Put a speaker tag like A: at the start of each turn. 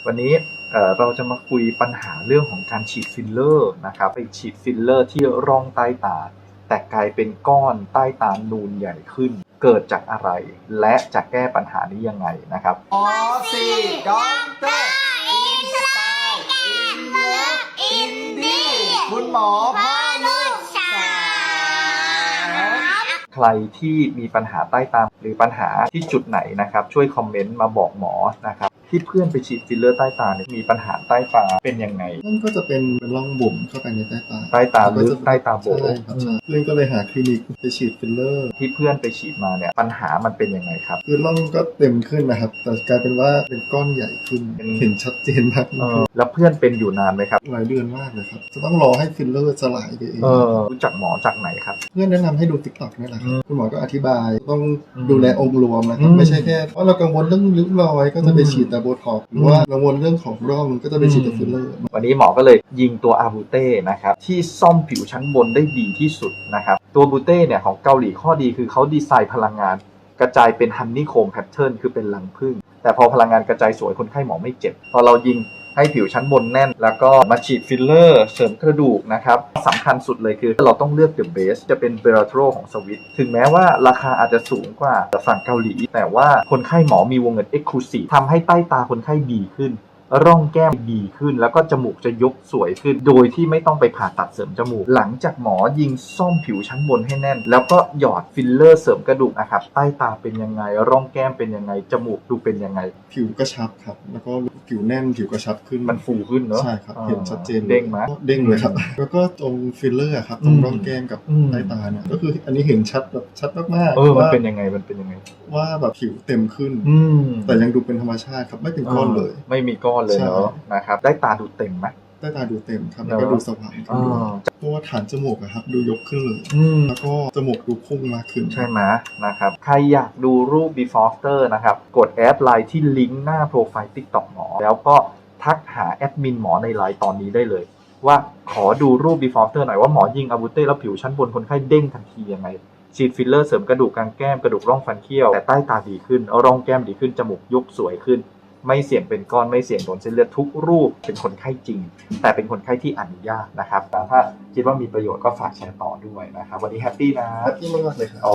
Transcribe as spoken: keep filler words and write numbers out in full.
A: วันนี้เราจะมาคุยปัญหาเรื่องของการฉีดฟิลเลอร์นะครับไปฉีดฟิลเลอร์ที่ร่องใต้ตาแต่กลายเป็นก้อนใต้ตานูนใหญ่ขึ้นเกิดจากอะไรและจะแก้ปัญหานี้ยังไงนะครับ
B: หมอสี่ด็อกเตอร์อินสไตล์อินเลิฟอินดี้คุณหมอพ่อลูกสาว
A: ใครที่มีปัญหาใต้ตาหรือปัญหาที่จุดไหนนะครับช่วยคอมเมนต์มาบอกหมอนะครับที่เพื่อนไปฉีดฟิลเลอร์ใต้ตาเนี่ยมีปัญหาใต้ตาเป็นยังไง
C: นั่นก็จะเป็นเป็นร่องบุ๋มเข้าไปในใต้ตา
A: ใต้ตาลึกใต้ตาโบ๋
C: เพื่อนก็เลยหาคลินิกไปฉีดฟิลเลอร์
A: ที่เพื่อนไปฉีดมาเนี่ยปัญหามันเป็นยังไงครับ
C: คือร่องก็เต็มขึ้นนะครับแต่กลายเป็นว่าเป็นก้อนใหญ่ขึ้นเห็นชัดเจนมาก
A: แล้วเพื่อนเป็นอยู่นานไหมครับ
C: หลายเดือนมากเลยครับจะต้องรอให้ฟิลเลอร์สลายไปเอง
A: รู้จักหมอจากไหนครับ
C: เพื่อนแนะนำให้ดู ติ๊กต็อก นี่แหละครับคุณหมอก็อธิบายต้องดูแลองค์รวมนะครับไม่ใช่แค่เพราะเรากังวลเรื่องริ้วรอยก็จะไปฉีดแต่โบท็อกซ์หรือว่ากังวลเรื่องของร่องก็จะไปฉีดแต่ฟิลเลอร์
A: วันนี้หมอก็เลยยิงตัวอาบูเต้นะครับที่ซ่อมผิวชั้นบนได้ดีที่สุดนะครับตัวบูเต้เนี่ยของเกาหลีข้อดีคือเขาดีไซน์พลังงานกระจายเป็นฮันนี่โคมแพทเทิร์นคือเป็นรังผึ้งแต่พอพลังงานกระจายสวยคนไข้หมอไม่เจ็บพอเรายิงให้ผิวชั้นบนแน่นแล้วก็มาฉีดฟิลเลอร์เสริมกระดูกนะครับสำคัญสุดเลยคือเราต้องเลือกเดอะเบสจะเป็นเบราโทรของสวิตถึงแม้ว่าราคาอาจจะสูงกว่าฝั่งเกาหลีแต่ว่าคนไข้หมอมีวงเงิน Exclusive ทำให้ใต้ตาคนไข้ดีขึ้นร่องแก้มดีขึ้นแล้วก็จมูกจะยกสวยขึ้นโดยที่ไม่ต้องไปผ่าตัดเสริมจมูกหลังจากหมอยิงซ่อมผิวชั้นบนให้แน่นแล้วก็หยอดฟิลเลอร์เสริมกระดูกนะครับใต้ตาเป็นยังไงร่องแก้มเป็นยังไงจมูกดูเป็นยังไง
C: ผิวกระชับครับแล้วก็ผิวแน่นผิวกระชับขึ้น
A: มันฟูขึ้นเนอะ
C: ใช่ครับเห็นชัดเจน
A: เด้งไหม
C: เด้งเลยครับแล้วก็ตรงฟิลเลอร์ครับตรงร่องแก้มกับใต้ตาเนี่ยก็คืออันนี้เห็นชัดแบบชัดมาก
A: ๆเออมันเป็นยังไงมันเป็นยังไง
C: ว่าแบบผิวเต็มขึ้นแต่ยังดูเป็นธรรมชาติครับไม่เป็นก้อนเลย
A: ไม่มีก้อนเลยเนาะนะครับได้ตาดูเต็มไหม
C: ได้ตาดูเต็มครับแล้วก็ดูสว่างขึ้นด้วยเพราะว่าฐานจมูกครับดูยกขึ้นเลยแล้วก็จมูกดูพุ่งมากขึ้น
A: ใช่ไหมนะครับใครอยากดูรูป before after นะครับกดแอดไลน์ที่ลิงก์หน้าโปรไฟล์ ติ๊กต็อก หมอแล้วก็ทักหาแอดมินหมอในไลน์ตอนนี้ได้เลยว่าขอดูรูป before after หน่อยว่าหมอยิงอาบูเต้แล้วผิวชั้นบนคนไข้เด้งทันทียังไงฉีดฟิลเลอร์เสริมกระดูกกลางแก้มกระดูกร่องฟันเคี้ยวแต่ใต้ตาดีขึ้นร่องแก้มดีขึ้นจมูกยกสวยขึ้นไม่เสี่ยงเป็นก้อนไม่เสี่ยงโดนเส้นเลือดทุกรูปเป็นคนไข้จริงแต่เป็นคนไข้ที่อนุญาตนะครับแต่ถ้าคิดว่ามีประโยชน์ก็ฝากแชร์ต่อด้วยนะครับวันนี้แฮปปี้นะ
C: แฮปปี้มากเลยครับ